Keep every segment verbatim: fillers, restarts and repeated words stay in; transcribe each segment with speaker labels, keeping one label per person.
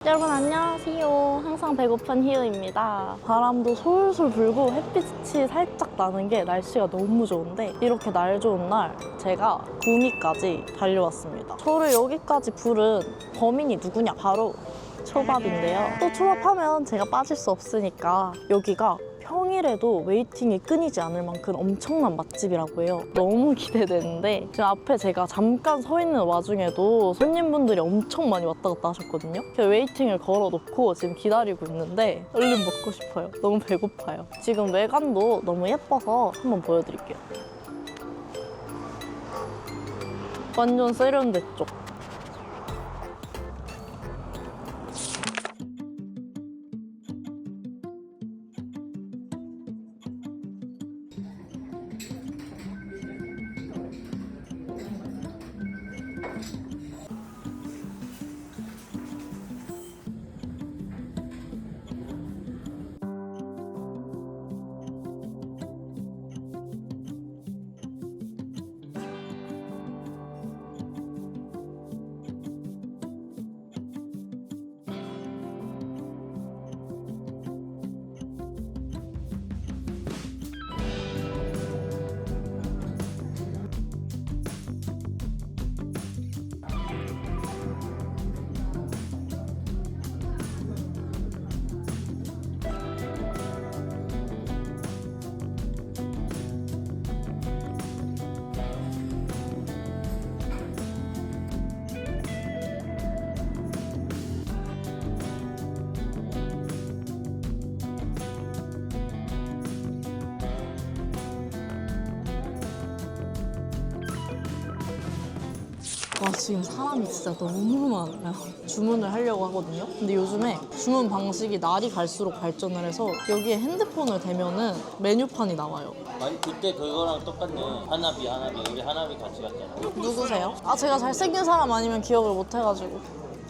Speaker 1: 여러분 안녕하세요. 항상 배고픈 희우입니다. 바람도 솔솔 불고 햇빛이 살짝 나는 게 날씨가 너무 좋은데 이렇게 날 좋은 날 제가 구미까지 달려왔습니다. 저를 여기까지 부른 범인이 누구냐? 바로 초밥인데요. 또 초밥하면 제가 빠질 수 없으니까 여기가 평일에도 웨이팅이 끊이지 않을 만큼 엄청난 맛집이라고 해요. 너무 기대되는데 지금 앞에 제가 잠깐 서 있는 와중에도 손님분들이 엄청 많이 왔다 갔다 하셨거든요. 그래서 웨이팅을 걸어놓고 지금 기다리고 있는데 얼른 먹고 싶어요. 너무 배고파요. 지금 외관도 너무 예뻐서 한번 보여드릴게요. 완전 세련됐죠? 와, 지금 사람이 진짜 너무 많아요. 주문을 하려고 하거든요. 근데 요즘에 주문 방식이 날이 갈수록 발전을 해서 여기에 핸드폰을 대면은 메뉴판이 나와요.
Speaker 2: 아니 그때 그거랑 똑같네. 하나비 하나비 우리 하나비 같이 갔잖아.
Speaker 1: 누구세요? 아, 제가 잘생긴 사람 아니면 기억을 못 해가지고.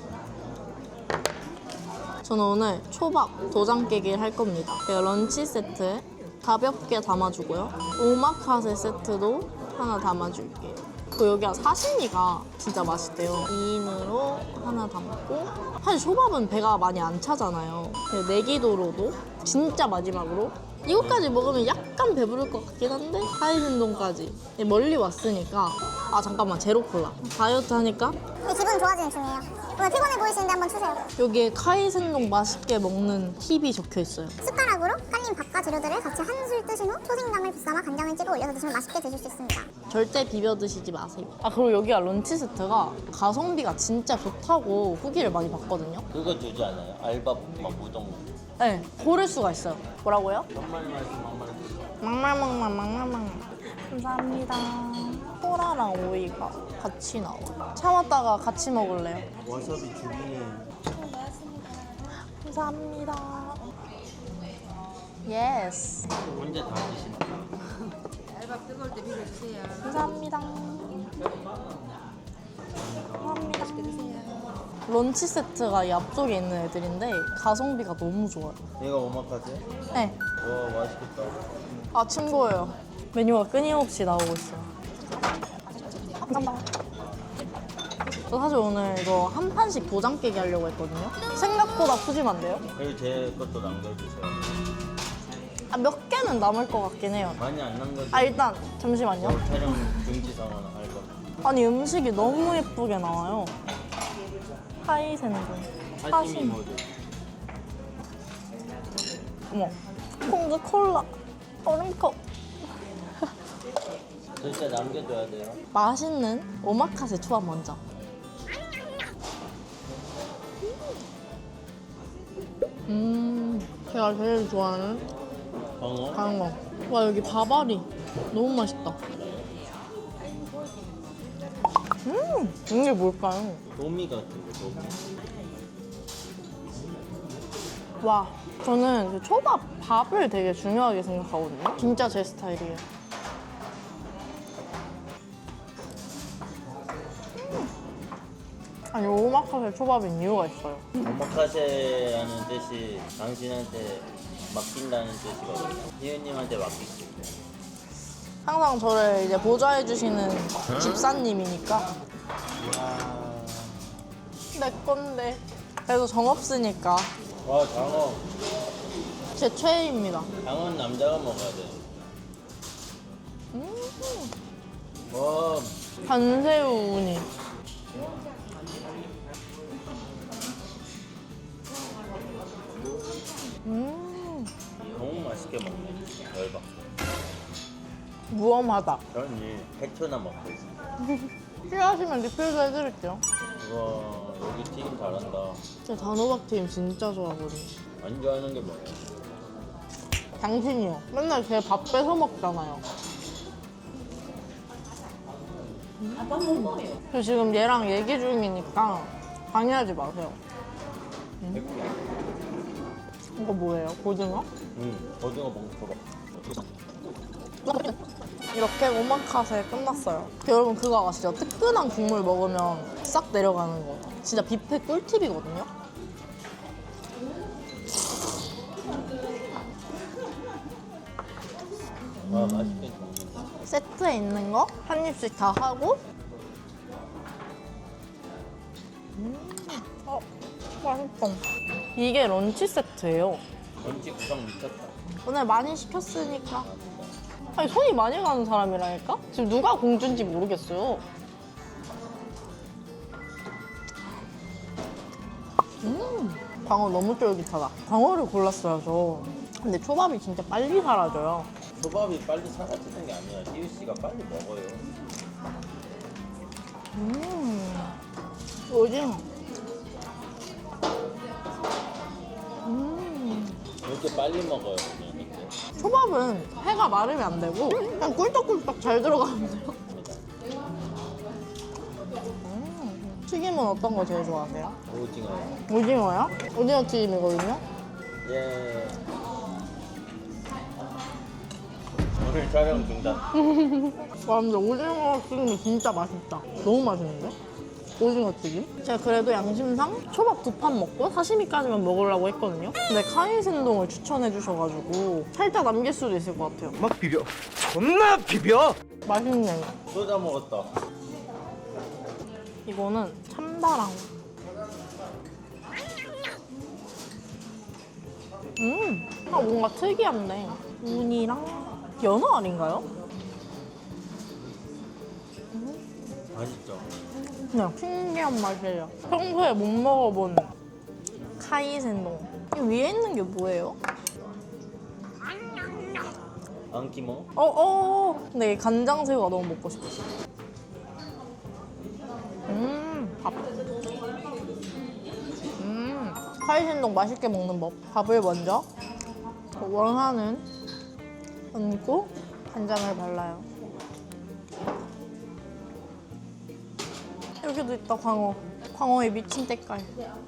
Speaker 1: 저는 오늘 초밥 도장 깨기를 할 겁니다. 제가 런치 세트에 가볍게 담아주고요. 오마카세 세트도 하나 담아줄게요. 그 여기가 사시미가 진짜 맛있대요. 이 인으로 하나 담고, 사실 초밥은 배가 많이 안 차잖아요. 내기도로도 진짜 마지막으로 이것까지 먹으면 약간 배부를 것 같긴 한데 하이센동까지 멀리 왔으니까. 아 잠깐만, 제로콜라 다이어트 하니까
Speaker 3: 기분 좋아지는 중이에요. 오늘 피곤해 보이시는데 한번 추세요.
Speaker 1: 여기에 카이센동 맛있게 먹는 팁이 적혀 있어요.
Speaker 3: 숟가락으로 깔린 밥과 재료들을 같이 한술 뜨신 후 초생강을 비싸마 간장을 찍어 올려서 드시면 맛있게 드실 수 있습니다.
Speaker 1: 절대 비벼 드시지 마세요. 아, 그리고 여기가 런치 세트가 가성비가 진짜 좋다고 후기를 많이 봤거든요.
Speaker 2: 그거 주지 않아요? 알밥 막 우동.
Speaker 1: 네, 고를 수가 있어요. 뭐라고요?
Speaker 2: 막말 말씀 막말 말씀.
Speaker 1: 막말막말 막말막말. 감사합니다. 소라랑 오이가 같이 나와. 참았다가 같이 먹을래요.
Speaker 2: 와사비 죽이네.
Speaker 1: 감사합니다. 예스.
Speaker 2: 혼자 다 드신다.
Speaker 4: 알밥 뜨거울 때 비벼주세요.
Speaker 1: 감사합니다. 감사합니다. 맛있게 드세요. 런치 세트가 이 앞쪽에 있는 애들인데 가성비가 너무 좋아요.
Speaker 2: 얘가 오마카세?
Speaker 1: 네.
Speaker 2: 와 맛있겠다.
Speaker 1: 아침 거예요. 메뉴가 끊임없이 나오고 있어요. 감사합니다. 저 사실 오늘 이거 한 판씩 도장 깨기 하려고 했거든요. 생각보다 푸짐한데요?
Speaker 2: 그리고 제 것도 남겨주세요.
Speaker 1: 아, 몇 개는 남을 것 같긴 해요.
Speaker 2: 많이 안 남겨도
Speaker 1: 아, 일단 잠시만요.
Speaker 2: 촬영 중지 선언 할 거.
Speaker 1: 아니, 음식이 너무 예쁘게 나와요. 하이센동.
Speaker 2: 사시미 모드.
Speaker 1: 어머, 콩드 콜라, 얼음컵.
Speaker 2: 진짜 남겨둬야 돼요.
Speaker 1: 맛있는 오마카세 초밥 먼저. 음, 제가 제일 좋아하는
Speaker 2: 광어?
Speaker 1: 강어. 와, 여기 밥알이 너무 맛있다. 음, 이게 뭘까요?
Speaker 2: 도미 같은 거 도미.
Speaker 1: 와, 저는 그 초밥 밥을 되게 중요하게 생각하거든요. 진짜 제 스타일이에요. 음. 아니, 오마카세 초밥인 이유가 있어요.
Speaker 2: 오마카세라는 뜻이 당신한테 맡긴다는 뜻이거든요. 희은님한테 맡길게요.
Speaker 1: 항상 저를 이제 보좌해주시는 집사님이니까. 내 건데. 그래도 정 없으니까
Speaker 2: 와 장어.
Speaker 1: 제 최애입니다.
Speaker 2: 장어는 남자가 먹어야 돼.
Speaker 1: 음,
Speaker 2: 와
Speaker 1: 간새우 우니. 음,
Speaker 2: 너무 맛있게 먹네. 열받.
Speaker 1: 무엄하다.
Speaker 2: 저는 이 해초나 먹고 있어.
Speaker 1: 필요하시면 리필도 해드릴게요.
Speaker 2: 우와 여기 튀김 잘한다.
Speaker 1: 저 단호박튀김 진짜 좋아하거든요.
Speaker 2: 안 좋아하는 게 뭐예요?
Speaker 1: 당신이요. 맨날 제 밥 뺏어 먹잖아요. 저 지금 얘랑 얘기 중이니까 방해하지 마세요. 음? 이거 뭐예요? 고등어?
Speaker 2: 응 고등어 봉투로.
Speaker 1: 이렇게 오마카세 끝났어요. 여러분 그거 아시죠? 뜨끈한 국물 먹으면 싹 내려가는 거. 진짜 뷔페 꿀팁이거든요.
Speaker 2: 와 맛있게 먹는다.
Speaker 1: 세트에 있는 거 한 입씩 다 하고 음, 어, 맛있다. 이게 런치 세트예요.
Speaker 2: 런치 구성 미쳤다.
Speaker 1: 오늘 많이 시켰으니까. 아니 손이 많이 가는 사람이라니까? 지금 누가 공주인지 모르겠어요. 음, 광어 너무 쫄깃하다. 광어를 골랐어요 저. 근데 초밥이 진짜 빨리 사라져요.
Speaker 2: 초밥이 빨리 사라지는 게 아니라 희우 씨가 빨리 먹어요.
Speaker 1: 음, 오징어. 음,
Speaker 2: 왜 이렇게 빨리 먹어요 그냥 이렇게.
Speaker 1: 초밥은 해가 마르면 안 되고 그냥 꿀떡꿀떡 잘 들어가면 돼요. 음, 튀김은 어떤 거 제일 좋아하세요?
Speaker 2: 오징어요.
Speaker 1: 오징어요? 오징어 튀김이거든요.
Speaker 2: 예. 오늘 촬영 중단.
Speaker 1: 와 근데 오징어 튀김이 진짜 맛있다. 너무 맛있는데? 오징어 튀김? 제가 그래도 양심상 초밥 두 판 먹고 사시미까지만 먹으려고 했거든요. 근데 카이센동을 추천해 주셔가지고 살짝 남길 수도 있을 것 같아요.
Speaker 5: 막 비벼. 존나 비벼.
Speaker 1: 맛있네요.
Speaker 2: 쏟아 먹었다.
Speaker 1: 이거는 참다랑. 음, 아, 뭔가 특이한데. 우니랑 연어 아닌가요?
Speaker 2: 맛있죠?
Speaker 1: 그냥 신기한 맛이에요. 평소에 못 먹어본 카이센동. 이 위에 있는 게 뭐예요?
Speaker 2: 안키모?
Speaker 1: 어, 어. 근데 이 간장새우가 너무 먹고 싶었어. 음, 밥. 음, 카이센동 맛있게 먹는 법. 밥을 먼저 원하는 얹고 간장을 발라요. 여기도 있다, 광어. 광어의 미친 때깔.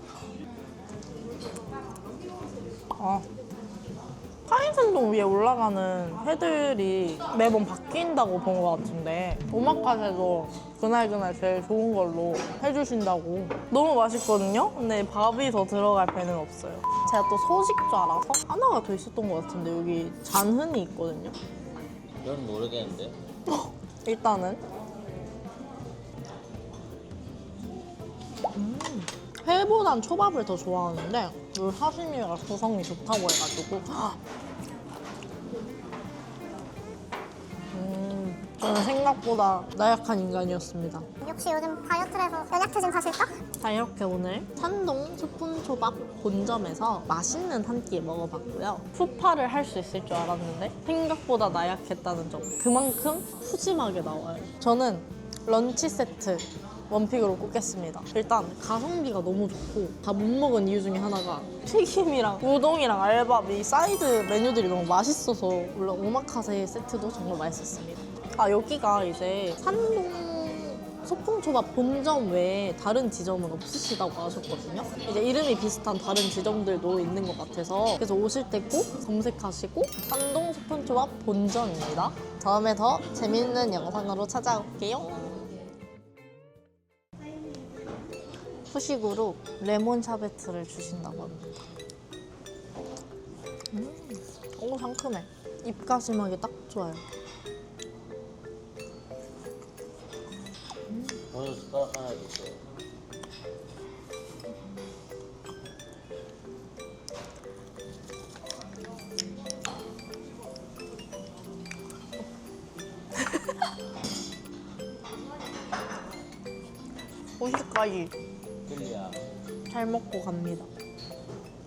Speaker 1: 아. 카이센동 위에 올라가는 회들이 매번 바뀐다고 본 것 같은데 오마카세도 그날그날 제일 좋은 걸로 해주신다고. 너무 맛있거든요? 근데 밥이 더 들어갈 배는 없어요. 제가 또 소식자라서 하나가 더 있었던 것 같은데 여기 잔흔이 있거든요.
Speaker 2: 이건 모르겠는데.
Speaker 1: 일단은 음, 회보단 초밥을 더 좋아하는데 이 사시미가 구성이 좋다고 해가지고 음, 저는 생각보다 나약한 인간이었습니다.
Speaker 3: 역시 요즘 다이어트를 해서 연약해진 사실까?
Speaker 1: 자, 이렇게 오늘 산동 스푼초밥 본점에서 맛있는 한 끼 먹어봤고요. 푸파를 할 수 있을 줄 알았는데 생각보다 나약했다는 점. 그만큼 푸짐하게 나와요. 저는 런치 세트 원픽으로 꼽겠습니다. 일단 가성비가 너무 좋고 다 못 먹은 이유 중에 하나가 튀김이랑 우동이랑 알밥 이 사이드 메뉴들이 너무 맛있어서 물론 오마카세 세트도 정말 맛있었습니다. 아, 여기가 이제 산동 소풍초밥 본점 외에 다른 지점은 없으시다고 하셨거든요. 이제 이름이 비슷한 다른 지점들도 있는 것 같아서 그래서 오실 때 꼭 검색하시고 산동 소풍초밥 본점입니다. 다음에 더 재밌는 영상으로 찾아올게요. 후식으로 레몬 샤베트를 주신다고 합니다. 음, 오, 상큼해. 입가심하기 딱 좋아요.
Speaker 2: 오늘 숟가락 하나 주세요.
Speaker 1: 오십까지
Speaker 2: 젤리야.
Speaker 1: 잘 먹고 갑니다.